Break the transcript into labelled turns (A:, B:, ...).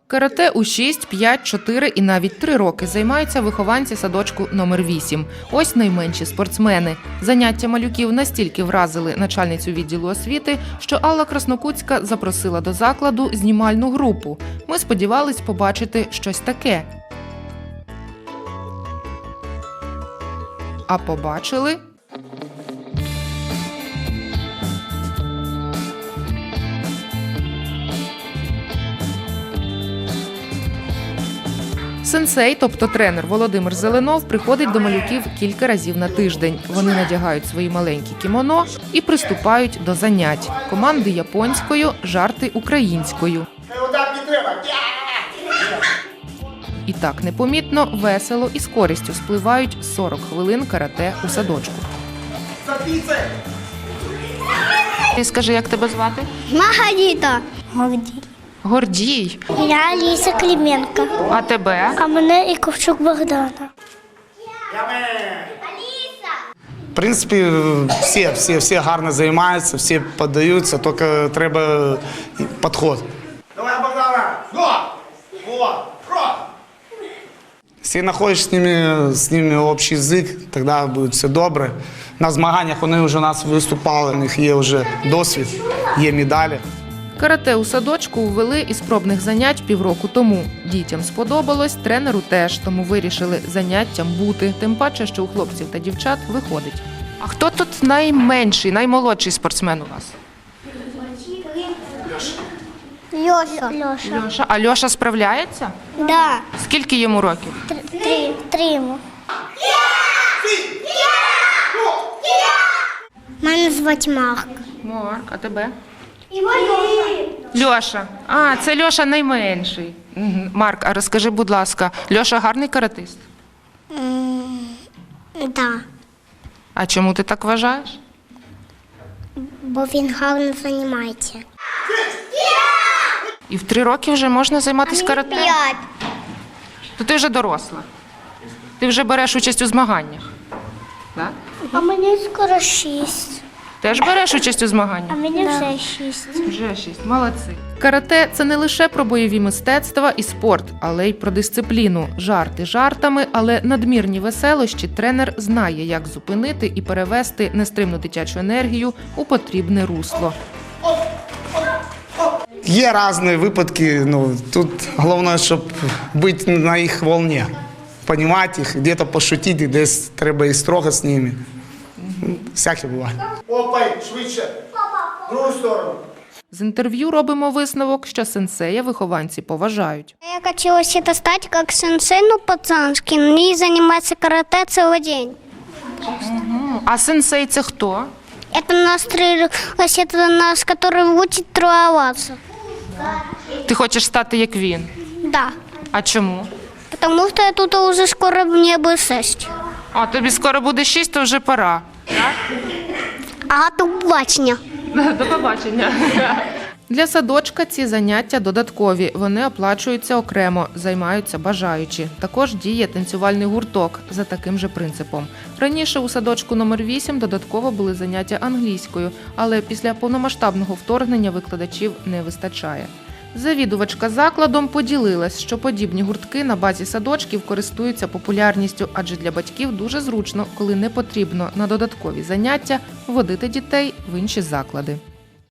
A: Карате у 6, 5, 4 і навіть 3 роки займаються вихованці садочку номер 8. Ось найменші спортсмени. Заняття малюків настільки вразили начальницю відділу освіти, що Алла Краснокутська запросила до закладу знімальну групу. Ми сподівались побачити щось таке. А побачили... Сенсей, тобто тренер Володимир Зеленов, приходить до малюків кілька разів на тиждень. Вони надягають свої маленькі кімоно і приступають до занять. Команди японською, жарти українською. І так непомітно, весело і з користю спливають 40 хвилин карате у садочку. Ти скажи, як тебе звати?
B: Маргарита.
A: Гордій.
B: Я Аліса Клименко.
A: А тебе?
B: А мене Іковчук Богдана.
C: В принципі, всі гарно займаються, всі піддаються, тільки треба підход.
D: Давай, Богдана! Во!
C: Якщо знаходиш з ними общий язик, тоді буде все добре. На змаганнях вони вже у нас виступали, у них є вже досвід, є медалі.
A: Карате у садочку ввели із пробних занять півроку тому. Дітям сподобалось, тренеру теж, тому вирішили заняттям бути. Тим паче, що у хлопців та дівчат виходить. А хто тут найменший, наймолодший спортсмен у вас?
B: Льоша.
A: Льоша. А Льоша справляється?
B: Да.
A: Скільки йому років?
B: Три йому. Мене звати Марк.
A: Марк, а тебе? Льоша. А, це Льоша найменший. Мгм. Марк, а розкажи, будь ласка, Льоша гарний каратист?
B: Да.
A: А чому ти так вважаєш?
B: Бо він гарно займається.
A: І в 3 роки вже можна займатися карате?
B: 5.
A: То ти вже доросла. Ти вже береш участь у змаганнях. Так?
B: А мені скоро 6.
A: Теж береш участь у змаганнях?
B: А мені вже 6.
A: Вже 6. Молодці. Карате – це не лише про бойові мистецтва і спорт, але й про дисципліну. Жарти жартами, але надмірні веселощі тренер знає, як зупинити і перевести нестримну дитячу енергію у потрібне русло.
C: Є різні випадки, тут головне, щоб бути на їх волні. Розуміти їх, десь пошутити, десь треба і строго з ними. Всяке буває.
D: Опай, швидше! Другу сторону!
A: З інтерв'ю робимо висновок, що сенсея вихованці поважають.
B: Я хотіла это стати як сенсей, пацанський, і займатися карате цілий день.
A: А сенсей – це хто?
B: Это нас, который учит тренироваться.
A: Ти хочеш стати як він?
B: Да.
A: А чому?
B: Потому что я тут уже скоро мне бы 6.
A: А тобі скоро буде 6, то вже пора.
B: А до побачення.
A: До побачення. Для садочка ці заняття додаткові. Вони оплачуються окремо, займаються бажаючі. Також діє танцювальний гурток за таким же принципом. Раніше у садочку номер 8 додатково були заняття англійською, але після повномасштабного вторгнення викладачів не вистачає. Завідувачка закладом поділилась, що подібні гуртки на базі садочків користуються популярністю, адже для батьків дуже зручно, коли не потрібно на додаткові заняття водити дітей в інші заклади.